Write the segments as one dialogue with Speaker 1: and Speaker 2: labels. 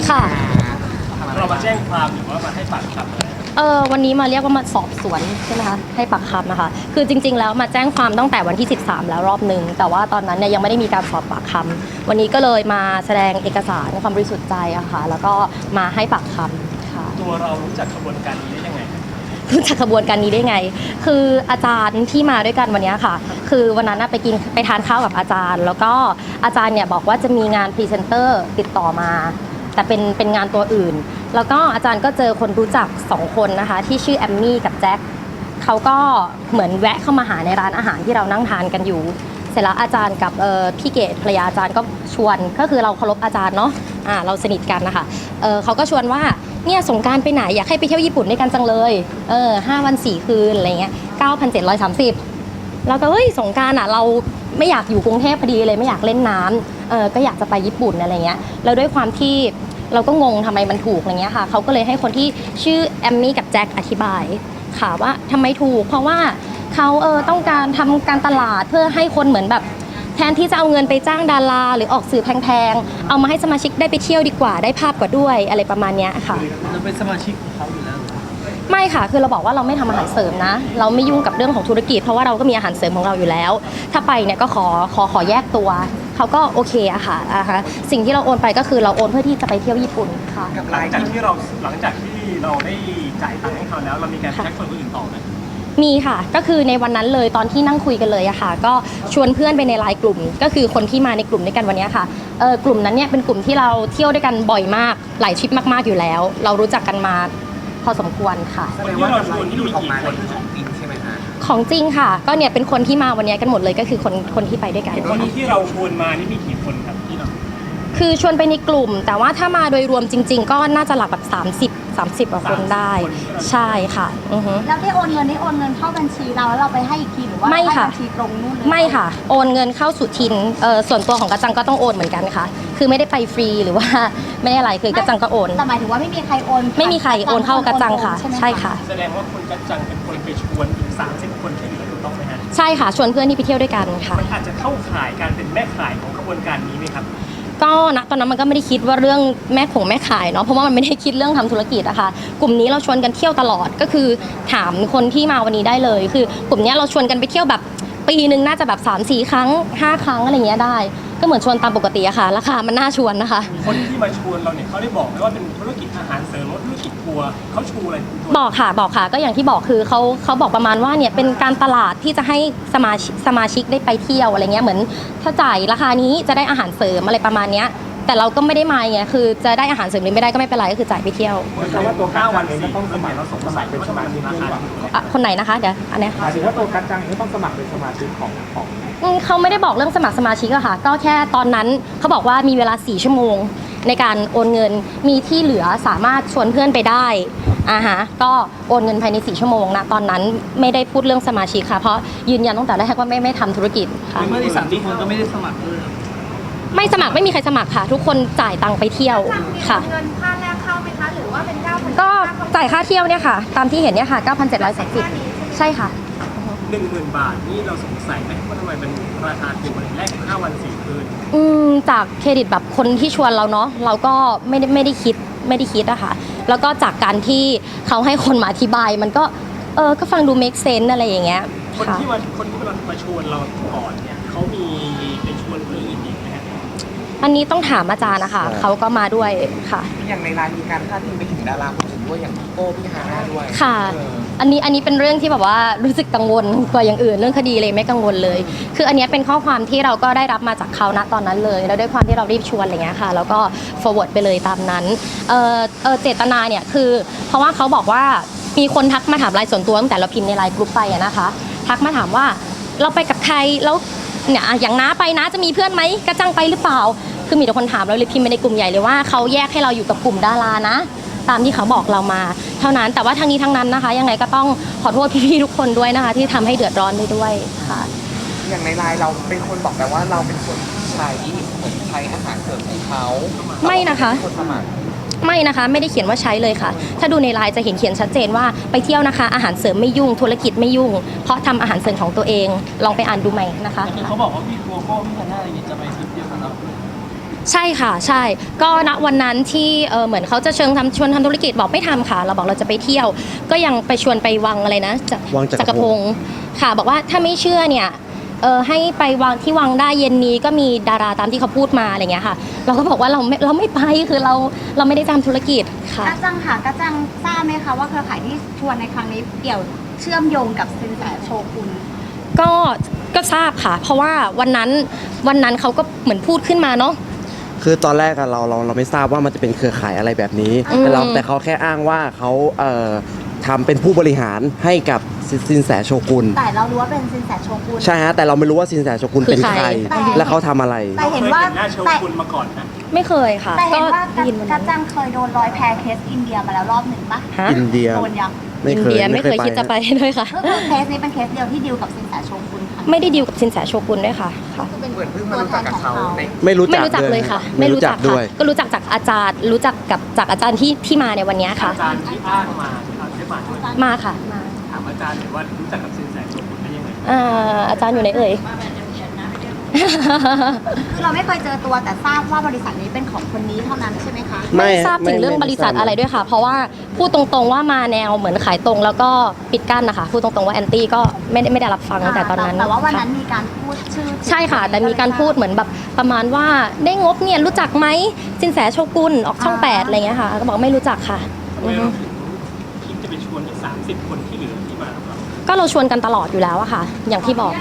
Speaker 1: ค่ะ
Speaker 2: เรามาแจ้งความหรือว่ามาให้ปากคำอะไร
Speaker 1: วันนี้มาเรียกว่ามาสอบสวนใช่ไหมคะให้ปากคำนะคะคือจริงๆแล้วมาแจ้งความตั้งแต่วันที่13แล้วรอบนึงแต่ว่าตอนนั้นเนี่ยยังไม่ได้มีการสอบปากคำวันนี้ก็เลยมาแสดงเอกสารความบริสุทธิ์ใจอะค่ะแล้วก็มาให้ปากคำค่ะ
Speaker 2: ตัวเรารู้จักขบวนการนี้ได้ยังไง
Speaker 1: รู้จักขบวนการนี้ได้ไงคืออาจารย์ที่มาด้วยกันวันนี้ค่ะคือวันนั้นไปทานข้าวกับอาจารย์แล้วก็อาจารย์เนี่ยบอกว่าจะมีงานพรีเซนเตอร์ติดต่อมาแต่เป็นงานตัวอื่นแล้วก็อาจารย์ก็เจอคนรู้จัก2คนนะคะที่ชื่อแอมมี่กับแจ็คเขาก็เหมือนแวะเข้ามาหาในร้านอาหารที่เรานั่งทานกันอยู่เสร็จแล้วอาจารย์กับพี่เกดภรรยาอาจารย์ก็ชวนก็คือเราเคารพอาจารย์เนาะเราสนิทกันนะคะเขาก็ชวนว่าเนี่ยสงกรานต์ไปไหนอยากให้ไปเที่ยวญี่ปุ่นด้วยกันจังเลย5 วัน 4 คืนอะไรเงี้ย9,730แล้วก็เฮ้ยสงกรานต์เราไม่อยากอยู่กรุงเทพพอดีเลยไม่อยากเล่นน้ำก็อยากจะไปญี่ปุ่นอะไรเงี้ยแล้วด้วยความที่เราก็งงทำไมมันถูกอะไรเงี้ยค่ะเขาก็เลยให้คนที่ชื่อแอมมี่กับแจ็คอธิบายค่ะว่าทำไมถูกเพราะว่าเขาต้องการทำการตลาดเพื่อให้คนเหมือนแบบแทนที่จะเอาเงินไปจ้างดาราหรือออกสื่อแพงๆเอามาให้สมาชิกได้ไปเที่ยวดีกว่าได้ภาพกว่าด้วยอะไรประมาณนี้ค่ะ
Speaker 2: เราเป็นสมาชิกของเขาอยู่แล้ว
Speaker 1: ไม่ค่ะคือเราบอกว่าเราไม่ทำอาหารเสริมนะเราไม่ยุ่งกับเรื่องของธุรกิจเพราะว่าเราก็มีอาหารเสริมของเราอยู่แล้วถ้าไปเนี่ยก็ขอแยกตัวเขาก็โอเคอะค่ะสิ่งที่เราโอนไปก็คือเราโอนเพื่อที่จะไปเที่ยวญี่ปุ่นค่ะ
Speaker 2: หลังจากที่เราได้จ่ายตังค์ให้เขาแล้วเรามีการแจ้งคนอื่นต่อไหม
Speaker 1: มีค่ะก็คือในวันนั้นเลยตอนที่นั่งคุยกันเลยอะค่ะก็ชวนเพื่อนไปในไลน์กลุ่มก็คือคนที่มาในกลุ่มด้วยกันวันนี้ค่ะกลุ่มนั้นเนี่ยเป็นกลุ่มที่เราเที่ยวด้วยกันบ่อยมากหลายทริปมากๆอยู่แล้วเรารู้จักกันมาพอสมควรค่ะ
Speaker 2: แสดงว่าเราชวนที่มีกี่คนของจริงใช่ไหมคะ
Speaker 1: ของจริงค่ะก็เนี่ยเป็นคนที่มาวันนี้กันหมดเลยก็คือคนที่ไปด้วยกัน
Speaker 2: คนที่เราชวนมานี่มีกี่คนครับที่เรา
Speaker 1: คือชวนไปในกลุ่มแต่ว่าถ้ามาโดยรวมจริงๆก็น่าจะหลักแบบ30กว่าคนได้ใช่ค่ะ
Speaker 3: แล้วได้โอนเงินเข้าบัญชีเราแล้วเราไปให้อีกทีหรือว่าให้บัญชีตรงนู่นเลย
Speaker 1: ไม่ค่ะโอนเงินเข้าสุทินส่วนตัวของกระจังก็ต้องโอนเหมือนกันค่ะคือไม่ได้ไปฟรีหรือว่าไม่ได้อะไรคือกระจังก็โอน
Speaker 3: แต่หมายถึงว่าไม่มีใครโอน
Speaker 1: ไม่มีใครโอนเข้ากระจังค่ะใช่ค่ะ
Speaker 2: แสดงว่าคนกระจังเป็นคนไปชวนอีก30 คนที่เหลือถูกต้องไหมฮะ
Speaker 1: ใช่ค่ะชวนเพื่อนที่ไปเที่ยวด้วยกันค่ะ
Speaker 2: มันอาจจะเข้าข่ายการเป็นแม่ขายของกระบวนการนี้ไหมครับ
Speaker 1: ก็ณตอนนั้นมันก็ไม่ได้คิดว่าเรื่องแม่ขายเนาะเพราะว่ามันไม่ได้คิดเรื่องทำธุรกิจอะค่ะกลุ่มนี้เราชวนกันเที่ยวตลอดก็คือถามคนที่มาวันนี้ได้เลยคือกลุ่มนี้เราชวนกันไปเที่ยวแบบปีนึงน่าจะแบบ3-4 ครั้ง5 ครั้งอะไรเงี้ยได้ก็เหมือนชวนตามปกติอะค่ะราคามันน่าชวนนะคะ
Speaker 2: คนที่มาชวนเราเนี่ยเขาได้บอกไหมว่าเป็นธุรกิจอาหารเสริมหรือธุรกิจทัวร์เขาชูอะไร
Speaker 1: บอกค่ะก็อย่างที่บอกคือเขาบอกประมาณว่าเนี่ยเป็นการตลาดที่จะให้สมาชิกได้ไปเที่ยวอะไรเงี้ยเหมือนถ้าจ่ายราคานี้จะได้อาหารเสริมอะไรประมาณเนี้ยแต่เราก็ไม่ได้มาไงคือจะได้อาหารเสริมหรือไม่ได้ก็ไม่เป็นไรก็คือจ่ายไปเที่ยว
Speaker 2: แต่ว่าตัว9 วันเองก็ต้องสมัครเราสมัครเป็นสมาชิก
Speaker 1: คนไหนนะคะเดี๋ยวอันนี้
Speaker 2: หมายถึงว่าตัวกัจจังนี่ต้องสมัครเป็นสมาชิกของ
Speaker 1: เขาไม่ได้บอกเรื่องสมัครสมาชิกอะค่ะก็แค่ตอนนั้นเขาบอกว่ามีเวลา4 ชั่วโมงในการโอนเงินมีที่เหลือสามารถชวนเพื่อนไปได้ก็โอนเงินภายใน4 ชั่วโมงนะตอนนั้นไม่ได้พูดเรื่องสมาชิกค่ะเพราะยืนยันตั้งแต่แรกว่าไม่ทำธุรกิจค่ะ
Speaker 2: เมื่อที่30 คนก็ไม่ได้สมัครเลย
Speaker 1: ไม่สมัครไม่มีใครสมัครค่ะทุกคนจ่ายตังค์ไปเที่ยวค่ะ
Speaker 3: เงินค่าแรกเข้าไหมคะหรือว่าเป็น9,000
Speaker 1: ก็จ่ายค่าเที่ยวเนี่ยค่ะตามที่เห็นเนี่ยค่ะ9,730ใช่ค่ะ
Speaker 2: 10,000 บาทนี่เราสงสัยไหมว่าทำไมเป็นราคาถูกมันแรก5 วัน 4 คืน
Speaker 1: จากเครดิตแบบคนที่ชวนเราเนาะเราก็ไม่ได้คิดอะค่ะแล้วก็จากการที่เขาให้คนมาอธิบายมันก็ก็ฟังดู make sense อะไรอย่างเงี้ย
Speaker 2: คนที่มาชวนเราก่อนเนี่ยเขามีไปชวนเพื่อนอีกไหมฮะ
Speaker 1: อันนี้ต้องถามอาจารย์นะคะเขาก็มาด้วยค่ะ
Speaker 4: อย่างในร้านมีการพาดพิงไปถึงดาราคนอื่นด้วยอย่างพี่โก้พี่ฮาน่าด้วย
Speaker 1: ค่ะอันนี้เป็นเรื่องที่แบบว่ารู้สึกกังวลกว่าอย่างอื่นเรื่องคดีเลยไม่กังวลเลยคืออันนี้เป็นข้อความที่เราก็ได้รับมาจากเขาณตอนนั้นเลยแล้วด้วยความที่เรารีบชวนอะไรเงี้ยค่ะแล้วก็ forward ไปเลยตามนั้นเจตนาเนี่ยคือเพราะว่าเขาบอกว่ามีคนทักมาถามไลน์ส่วนตัวตั้งแต่เราพิมพ์ในไลน์กลุ่มไปนะคะทักมาถามว่าเราไปกับใครแล้วเนี่ยอย่างน้าไปนะจะมีเพื่อนไหมกระจังไปหรือเปล่าคือมีแต่คนถามเราเลยพิมพ์ไปในกลุ่มใหญ่เลยว่าเขาแยกให้เราอยู่กับกลุ่มดารานะตามที่เขาบอกเรามาเท่านั้นแต่ว่าทั้งนี้ทั้งนั้นนะคะยังไงก็ต้องขอโทษพี่ๆทุกคนด้วยนะคะที่ทำให้เดือดร้อนไปด้วยค่ะ
Speaker 4: อย่างในไลน์เราเป็นคนบอกแต่ว่าเราเป็นคนใช้อาหารเสริมของเขา
Speaker 1: ไม่นะคะไม่นะคะไม่ได้เขียนว่าใช้เลยค่ะถ้าดูในไลน์จะเห็นเขียนชัดเจนว่าไปเที่ยวนะคะอาหารเสริมไม่ยุ่งธุรกิจไม่ยุ่งเพราะทำอาหารเสริมของตัวเองลองไปอ่านดูใหม่นะคะ
Speaker 2: เขาบอกว่าพี่โกโก้พี่ฮาน่าอะไรอย่างเงี้ยจะไปทริปเดียวกับเรา
Speaker 1: ใช่ค่ะใช่ก็ณวันนั้นที่เหมือนเขาจะชวนทำธุรกิจบอกไม่ทำค่ะเราบอกเราจะไปเที่ยว ก็ยังไปชวนไปวังอะไรนะ
Speaker 5: วังจักรพงศ์
Speaker 1: ค่ะบอกว่าถ้าไม่เชื่อเนี่ยให้ไปวังที่วังได้เย็นนี้ก็มีดาราตามที่เขาพูดมาอะไรเงี้ยค่ะ เราก็บอกว่าเราไม่ไปคือเราไม่ได้ทำธุรกิจค่ะ
Speaker 3: กระจังค่ะกระจังทราบไหมคะว่าเครือข่ายที่ชวนในครั้งนี้เกี่ยวเชื่อมโยงกับสินแสโชกุน
Speaker 1: ก็ทราบค่ะ เพราะว่าวันนั้นเขาก็เหมือนพูดขึ้นมาเนาะ
Speaker 5: คือตอนแรกอะเราไม่ทราบว่ามันจะเป็นเครือข่ายอะไรแบบนี้
Speaker 1: อืม
Speaker 5: แต่เขาแค่อ้างว่าเขาทำเป็นผู้บริหารให้กับสินแสโชกุน
Speaker 3: แต่เรารู้ว่าเป็นสินแสโชกุน
Speaker 5: ใช่ฮะแต่เราไม่รู้ว่าสินแสโชกุนเป็นใคร และเขาทำอะไร
Speaker 3: แต่เห็นว่า
Speaker 2: คยหน้าโช
Speaker 3: แต่
Speaker 2: กุนมาก่อนนะ
Speaker 1: ไม่เคยค่ะ
Speaker 3: แต่เห็นว่า
Speaker 1: ได้ยินวัน
Speaker 3: กระ
Speaker 1: นั้น
Speaker 3: จังเคยโดนลอยแพเคสอินเดียมาแล้วรอบหนึ่งปะ
Speaker 1: ฮะ
Speaker 5: อินเดีย
Speaker 3: โดนยัง
Speaker 5: ไม่
Speaker 1: อิน
Speaker 5: เคย
Speaker 1: เดียไม่เคยคิดจะไปด้วยค่ะ
Speaker 3: ก็คือเคสนี้เป็นเคสเดียวที่ดีลกับสินแสโชกุนค่ะ
Speaker 1: ไม่ได้ดีลกับสินแสโชกุนด้วยค่ะค่ะ
Speaker 3: คือเป็น
Speaker 4: เหมือนเพิ่งมารู้จักกับเขาใน
Speaker 5: ไม่รู้
Speaker 1: ไม่
Speaker 5: จัก
Speaker 1: รู้จักเลยค่ะ
Speaker 5: ไม่รู้จักด้วย
Speaker 1: ก็รู้จักจากอาจารย์รู้จักกับจากอาจารย์ที่มาในวันนี้ค่ะ
Speaker 2: อาจารย์ที่อ้างมาครับได้มาด้วย
Speaker 1: มาค่ะมา
Speaker 2: ถามอาจารย์หน่อยว่ารู้จักกับสินแสโชกุนได้ยังไง
Speaker 1: อาจารย์อยู่ไหนเอ่ย
Speaker 3: คือเราไม่เคยเจอตัวแต่ทราบว่าบริษัทนี้เป็นของคนนี้เท่านั้นใช่ไหมคะ
Speaker 1: ไม่ทราบถึงเรื่องบริษัทอะไรด้วยค่ะ เพราะว่าพูดตรงๆว่ามาแนวเหมือนขายตรงแล้วก็ปิดกั้นนะคะพูดตรงๆว่าแอนตี้ก็ไม่ได้รับฟังตั้งแต่ตอนนั้น
Speaker 3: แต่ว่าวันนั้น
Speaker 1: ค่ะ
Speaker 3: มีการพูดชื่อ
Speaker 1: ใช่ค่ะ แต่มีการพูดเหมือนแบบประมาณว่าได้งบเนี่ยรู้จักไหมสินแสโชกุนออกช่อง8อะไรเงี้ยค่ะก็บอกไม่รู้จักค่ะ
Speaker 2: ทำไมเราถึงคิดจะไปชวนอีก30 คนที่เหลือที่มากับเรา
Speaker 1: ก็เราชวนกันตลอดอยู่แล้วอะค่ะ อย่างที่บอก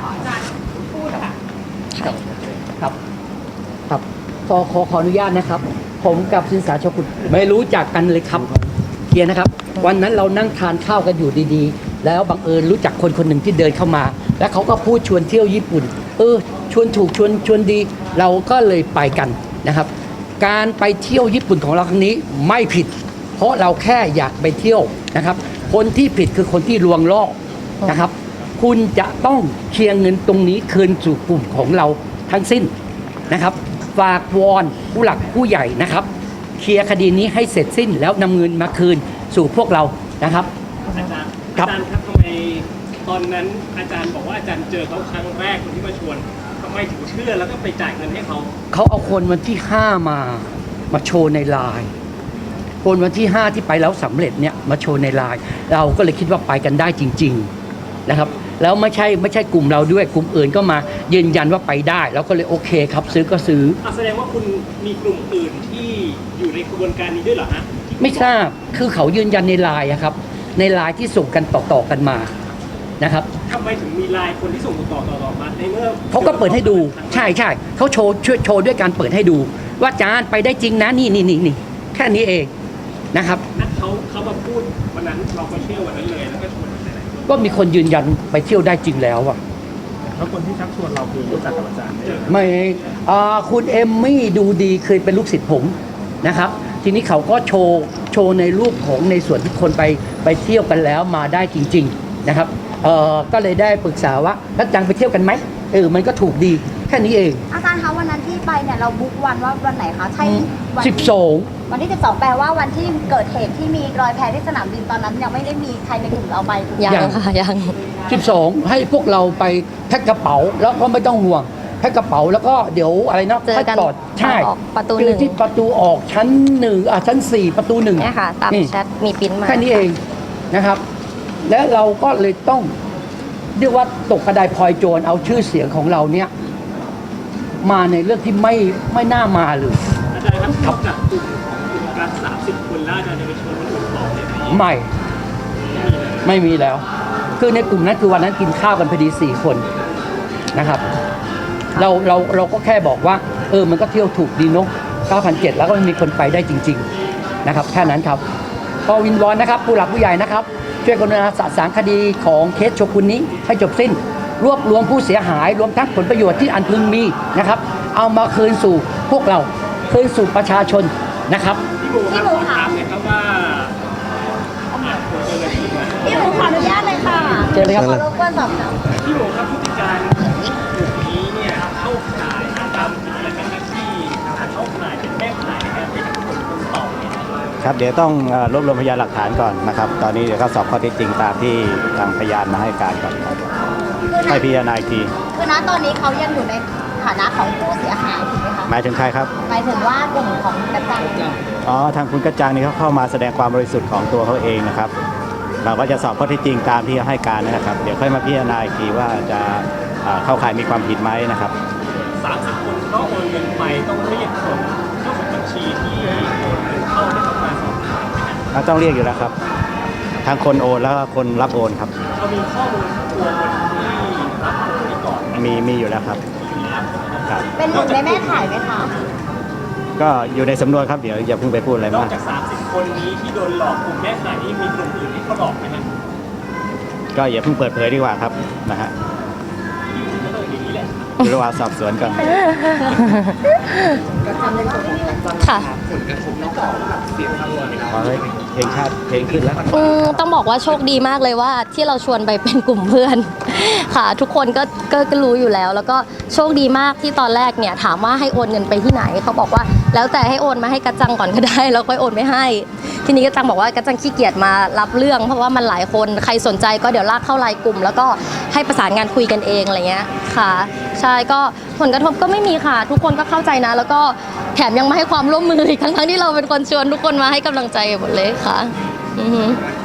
Speaker 6: ครับครับขออนุญาตนะครับ ผมกับสินแสโชกุนไม่รู้จักกันเลยครับเคลียร์นะครับ วันนั้นเรานั่งทานข้าวกันอยู่ดีๆ แล้วบังเอิญรู้จักคนคนหนึ่งที่เดินเข้ามา แล้วเขาก็พูดชวนเที่ยวญี่ปุ่นชวนถูกชวนดี เราก็เลยไปกันนะครับ การไปเที่ยวญี่ปุ่นของเราครั้งนี้ไม่ผิด เพราะเราแค่อยากไปเที่ยวนะครับ คนที่ผิดคือคนที่ลวงล่อนะครับ คุณจะต้องเคลียร์เงินตรงนี้คืนสู่กลุ่มของเราทั้งสิ้นนะครับ ฝากวอนผู้หลักผู้ใหญ่นะครับ เคลียร์คดีนี้ให้เสร็จสิ้นแล้วนำเงินมาคืนสู่พวกเรานะครับ
Speaker 2: อาจารย์
Speaker 6: ครับ
Speaker 2: อาจารย์ครับทำไมตอนนั้นอาจารย์บอกว่าอาจารย์เจอเขาครั้งแรกคนที่มาชวนทำไมถึงเชื่อแล้วก็ไปจ่ายเงินให้เขา
Speaker 6: เขาเอาคนวันที่ 5 มาโชว์ในไลน์คนวันที่ 5 ที่ไปแล้วสำเร็จเนี่ยมาโชว์ในไลน์เราก็เลยคิดว่าไปกันได้จริง ๆนะครับ แล้วไม่ใช่กลุ่มเราด้วยกลุ่มอื่นก็มายืนยันว่าไปได้เราก็เลยโอเคครับซื้อก็ซื้อ
Speaker 2: แสดงว่าคุณมีกลุ่มอื่นที่อยู่ในกระบวนการนี้ด้วยเหรอฮะ
Speaker 6: ไม่ทราบคือเขายืนยันในไลน์อะครับในไลน์ที่ส่งกันต่อกันมานะครับ
Speaker 2: ทำไมถึงมีไลน์คนที่ส่งต่อมาในเมื่อ
Speaker 6: เขาก็เปิดให้ดูใช่เขาโชว์ด้วยการเปิดให้ดู ว่าจานไปได้จริงนะนี่แค่นี้เองนะครับ
Speaker 2: นัดเขามาพูดวันนั้นเราก็เชื่อวันนั้นเลยแล้วก็ชวนหลายๆคน
Speaker 6: ก็มีคนยืนยันไปเที่ยวได้จริงแล้วอะ
Speaker 2: แล้วคนที่ชักชวนเราคือรู้จักกับอาจารย์ไหม
Speaker 6: ไม่คุณเอมมี่ดูดีเคยเป็นลูกศิษย์ผมนะครับ ทีนี้เขาก็โชว์ในรูปของในส่วนที่คนไปเที่ยวกันแล้วมาได้จริง ๆนะครับก็เลยได้ปรึกษาว่าแล้วจังไปเที่ยวกันไหมมันก็ถูกดีแค่นี้เอง
Speaker 3: อาจารย์คะวันนั้นที่ไปเนี่ยเราบุ๊กวันว่าวันไหนคะใช่วันที่
Speaker 6: 12
Speaker 3: วันที่ 12 แปลว่าวันที่เกิดเหตุที่มีรอยแพที่สนามบินตอนนั้นยังไม่ได้มีใครในกลุ่มเราไปถูกไหม
Speaker 1: ยังค่ะยัง
Speaker 6: 12 ให้พวกเราไปแพ็คกระเป๋าแล้วก็ไม่ต้องห่วงแพ็คกระเป๋าแล้วก็เดี๋ยวอะไรนะ
Speaker 1: เจอกัน
Speaker 6: ค่ยปลอดใช่
Speaker 1: ออกประตู
Speaker 6: เจ
Speaker 1: หนึ่
Speaker 6: อง ที่ประตูออกชั้น1ชั้น 4 ประตู 1
Speaker 1: เนี่ยค่ะ ตาม
Speaker 6: นี่
Speaker 1: แชทมีปริ้นมา
Speaker 6: แค่นี้เองนะครับ และเราก็เลยต้องเรียกว่าตกกระไดพลอยโจรเอาชื่อเสียงของเราเนี่ยมาในเรื่องที่ไม่น่ามาเลย
Speaker 2: อาจารย์ครับนอกจากกลุ่มของกลุ่มการ30 คนแล้วอาจารย์จะไปชวนคนอื่นต่อเลยไหม
Speaker 6: ไม่มีแล้ว คือในกลุ่มนั้นคือวันนั้นกินข้าวกันพอดี4 คนนะครับเราก็แค่บอกว่ามันก็เที่ยวถูกดีเนาะ 9,700 แล้วก็มีคนไปได้จริง ๆนะครับแค่นั้นครับก็วินวอนนะครับผู้หลักผู้ใหญ่นะครับช่วยกรุณาสะสางคดีของเคสโชกุนนี้ให้จบสิ้น รวบรวมผู้เสียหายรวมทั้งผลประโยชน์ที่อันพึงมีนะครับเอามาคืนสู่พวกเราคืนสู่ประชาชนนะครับ
Speaker 2: พี่โบครับขอถามเลยครับว่า
Speaker 3: พี่หมูขออนุญาตเลยค่ะ
Speaker 6: เชิญเลยครับ
Speaker 3: ขอรบกวนสอบถาม
Speaker 2: พี่โบครับพฤติการกลุ่มนี้เนี่ยเข้าข่ายตามผิดอะไรกันนะที่เข้าข่ายเป็นแม่ข่ายในการเป็นคนต่อเนี่ย
Speaker 7: ครับเดี๋ยวต้องรวบรวมพยานหลักฐานก่อนนะครับ ตอนนี้เดี๋ยวก็สอบข้อเท็จจริงตามที่ทางพยานมาให้การก่อนครับ
Speaker 3: คือ
Speaker 7: ให้พิจารณาอีกที
Speaker 3: คือณตอนนี้เขายังอยู่ในฐานะของผู้เสียหายถูกไหมคะ
Speaker 7: หมายถึงใครครับ
Speaker 3: หมายถึงว่ากลุ่มของกระจัง
Speaker 7: อ๋อทางคุณกระจังนี่เขาเข้ามาแสดงความบริสุทธิ์ของตัวเขาเองนะครับ เราก็จะสอบข้อเท็จจริงตามที่ให้การนะครับ เดี๋ยวค่อยมาพิจารณาอีกทีว่าจะเข้าข่ายมีความผิดไหมนะครับ
Speaker 2: 30 คนก็โอนเงินไปต้องเรียกคนเจ้าของบัญชีที่โอนเงินเข้าให้เข้ามาสอบถามไหมครับ
Speaker 7: เราต้องเรียกอยู่แล้วครับทั้งคนโอนแล้วก็คนรับโอนครับ
Speaker 2: เรามีข้อมูลตัวคนที่รับโอนนี้ก่อน
Speaker 7: มีอยู่แล้วครับครับ
Speaker 3: เป็นหนึ่งในแม่ขายไหมคะ
Speaker 7: ก็อยู่ในสำนวนครับเดี๋ยวอย่าเพิ่งไปพูดอะไร
Speaker 2: นอ
Speaker 7: มาก ก
Speaker 2: จาก 30 คนนี้ที่โดนหลอกกลุ่มแม่ขายนี่มีกลุ่มอื่นที่เขาหลอกไหมครับ
Speaker 7: ก็อย่าเพิ่งเปิดเผยดีกว่าครับนะฮะ
Speaker 2: ก็ต้องอย่างนี้แหละ
Speaker 7: อยู่ระหว่างสอบสวนก่อน
Speaker 4: ก็ทำในส่วนของการจัง
Speaker 1: ค่ะ
Speaker 4: ผลกระทบน้องต่อแบบเสียงทั้งหมด
Speaker 7: ขอให้เพลงชาติเพลงขึ้นแล้ว
Speaker 1: ต้องบอกว่าโชคดีมากเลยว่าที่เราชวนไปเป็นกลุ่มเพื่อน ค่ะ ทุกคนก็รู้อยู่แล้ว แล้วก็โชคดีมากที่ตอนแรกเนี่ยถามว่าให้โอนเงินไปที่ไหนเขาบอกว่าแล้วแต่ให้โอนมาให้กระจังก่อนก็ได้ แล้วค่อยโอนไม่ให้ ทีนี้กระจังบอกว่ากระจังขี้เกียจมารับเรื่อง เพราะว่ามันหลายคนใครสนใจก็เดี๋ยวลากเข้าไลน์กลุ่ม แล้วก็ให้ประสานงานคุยกันเองอะไรเงี้ยค่ะ ใช่ก็ผลกระทบก็ไม่มีค่ะ ทุกคนก็เข้าใจนะ แล้วก็แถมยังมาให้ความร่วมมืออีกทั้งที่เราเป็นคนชวนทุกคนมาให้กำลังใจหมดเลยค่ะอือฮึ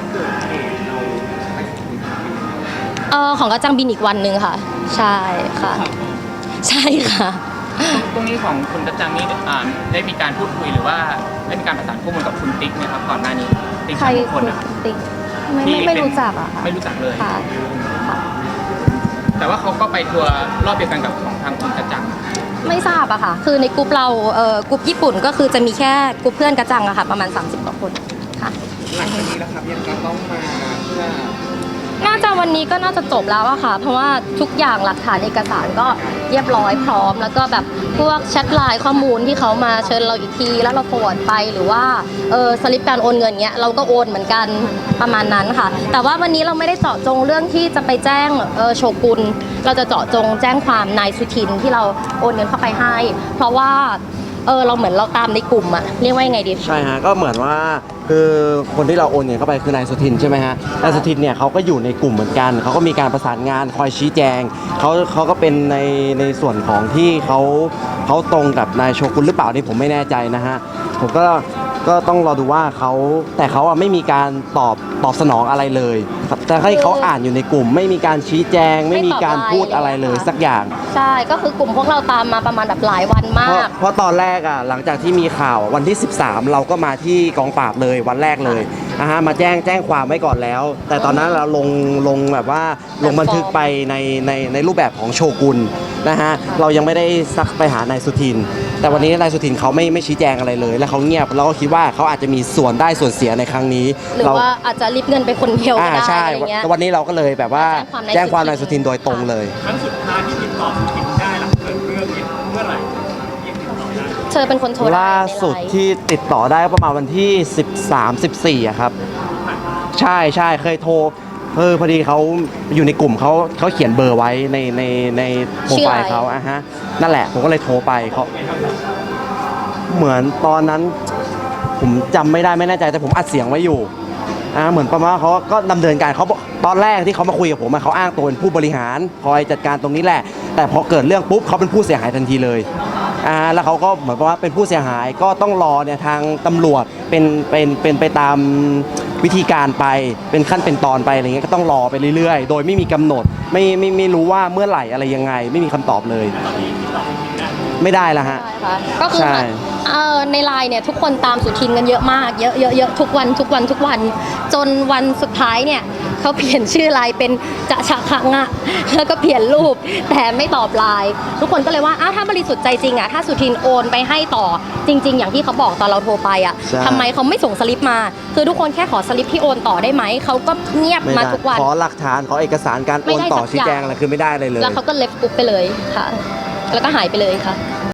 Speaker 1: ของกระจังบินอีกวันหนึ่งค่ะ ใช่ค่ะ ใช่ค่ะ
Speaker 8: ตรงนี้ของคุณกระจังนี่ได้มีการพูดคุยหรือว่าได้มีการประสานข้อมูลกับคุณติ๊กไหมครับก่อนหน้านี้ติ๊ก
Speaker 1: ใคร
Speaker 8: ชายมงค
Speaker 1: คุ
Speaker 8: ล
Speaker 1: ณ
Speaker 8: นะครับ
Speaker 1: ติ๊ก
Speaker 8: ที่
Speaker 1: ไม่
Speaker 8: เป็น
Speaker 1: รู้จักอะค่ะ
Speaker 8: ไม่รู้จักเลย
Speaker 1: ค่ะค่ะ
Speaker 8: แต่ว่าเขาก็ไปทัวร์รอบเดียวกันกับของทางคุณกระจัง
Speaker 1: ไม่ทราบอะค่ะ คือในกลุ่มเรากลุ่มญี่ปุ่นก็คือจะมีแค่กลุ่มเพื่อนกระจังอะค่ะ ประมาณ 30 กว่าคนค่ะ
Speaker 4: หลังจากนี้แล้วครับยังจะต้องมาเพื่อ
Speaker 1: น่าจะวันนี้ก็น่าจะจบแล้วอะค่ะ เพราะว่าทุกอย่างหลักฐานเอกสารก็เรียบร้อยพร้อม แล้วก็แบบพวกแชทไลน์ข้อมูลที่เขามาเชิญเราอีกทีแล้วเราโฟร์ดไปหรือว่าสลิปการโอนเงินเงี้ยเราก็โอนเหมือนกันประมาณนั้นค่ะ แต่ว่าวันนี้เราไม่ได้เจาะจงเรื่องที่จะไปแจ้งโชกุนเราจะเจาะจงแจ้งความนายสุทินที่เราโอนเงินเข้าไปให้ เพราะว่าเราเหมือนเราตามในกลุ่มอะเรียกว่ายังไงดี
Speaker 5: ใช่ฮะก็เหมือนว่าคือคนที่เราโอนเงินเข้าไปคือนายสุทินใช่ไหมฮะนายสุทินเนี่ยเขาก็อยู่ในกลุ่มเหมือนกันเขาก็มีการประสานงานคอยชี้แจงเขาก็เป็นในส่วนของที่เขาตรงกับนายโชกุนหรือเปล่านี่ผมไม่แน่ใจนะฮะผมก็ต้องรอดูว่าแต่เขาไม่มีการตอบสนองอะไรเลยครับแต่ให้เขาอ่านอยู่ในกลุ่ม ไม่มีการชี้แจง ไม่มีการพูดอะไรเลยสักอย่าง
Speaker 1: ใช่ก็คือกลุ่มพวกเราตามมาประมาณแบบหลายวันมาก
Speaker 5: เพราะตอนแรกอ่ะหลังจากที่มีข่าววันที่ 13 เราก็มาที่กองปราบเลยวันแรกเลยมาแจ้งความไว้ก่อนแล้ว แต่ตอนนั้นเราลงแบบว่าลงบันทึกไปในรูปแบบของโชกุนนะฮะเรายังไม่ได้ซักไปหานายสุทิน แต่วันนี้นายสุทินเขาไม่ชี้แจงอะไรเลย แล้วเขาเงียบเราก็คิดว่าเขาอาจจะมีส่วนได้ส่วนเสียในครั้งนี้
Speaker 1: หรือว่าอาจจะริบเงินไปคนเดียวก็ได้
Speaker 5: ใช่
Speaker 1: อะไรเงี้ย
Speaker 5: วันนี้เราก็เลยแบบว่าแจ้งความนายสุทินโดยตรงเลย
Speaker 2: ครั้งสุดท้ายที่ติดต่อสุทินได้หลังเกิดเรื่องนี้เมื่อไหร่ยังติดต่อได้
Speaker 1: เธอเป็นคนโทรได้
Speaker 5: ล่าสุด
Speaker 1: ในไลน์
Speaker 5: ที่ติดต่อได้ก็ประมาณวันที่ 13-14อะครับ ใช่เคยโทรพอดีเขาอยู่ในกลุ่มเขาเขียนเบอร์ไว้ในโปรไฟล์เขานั่นแหละผมก็เลยโทรไปเขาเหมือนตอนนั้นผมจำไม่ได้ไม่แน่ใจแต่ผมอัดเสียงไว้อยู่เหมือนประมาณว่าเขาก็ดำเนินการเขาตอนแรกที่เขามาคุยกับผมเขาอ้างตัวเป็นผู้บริหารคอยจัดการตรงนี้แหละ แต่พอเกิดเรื่องปุ๊บเขาเป็นผู้เสียหายทันทีเลยแล้วเขาก็เหมือนว่าเป็นผู้เสียหายก็ต้องรอเนี่ยทางตำรวจเป็นไปตามวิธีการไปเป็นขั้นเป็นตอนไปอะไรเงี้ยก็ต้องรอไปเรื่อยๆโดยไม่มีกำหนดไม่รู้ว่าเมื่อไหร่อะไรยังไงไม่มีคำตอบเลย ไม่ได้แล้วฮะ
Speaker 1: ใช่ค่ะก็คือ
Speaker 5: ใช่
Speaker 1: ในไลน์เนี่ยทุกคนตามสุทินกันเยอะมากเยอะทุกวันจนวันสุดท้ายเนี่ยเขาเปลี่ยนชื่อไลน์เป็นจะฉะขะงะแล้วก็เปลี่ยนรูปแต่ไม่ตอบไลน์ทุกคนก็เลยว่าถ้าบริสุทธิ์ใจจริงถ้าสุทินโอนไปให้ต่อจริง ๆ อย่างที่เขาบอกตอนเราโทรไปทำไมเขาไม่ส่งสลิปมาคือทุกคนแค่ขอสลิปที่โอนต่อได้ไหมเขาก็เงียบ
Speaker 5: ไม่
Speaker 1: มา
Speaker 5: ได้
Speaker 1: ทุกวัน
Speaker 5: ขอหลักฐานขอเอกสารการโอนต่อชี้แจงอะไรคือไม่ได้เลย
Speaker 1: แล้วเขาก็เลฟปุ๊บไปเลยค่ะ แล้วก็หายไปเลยค่ะ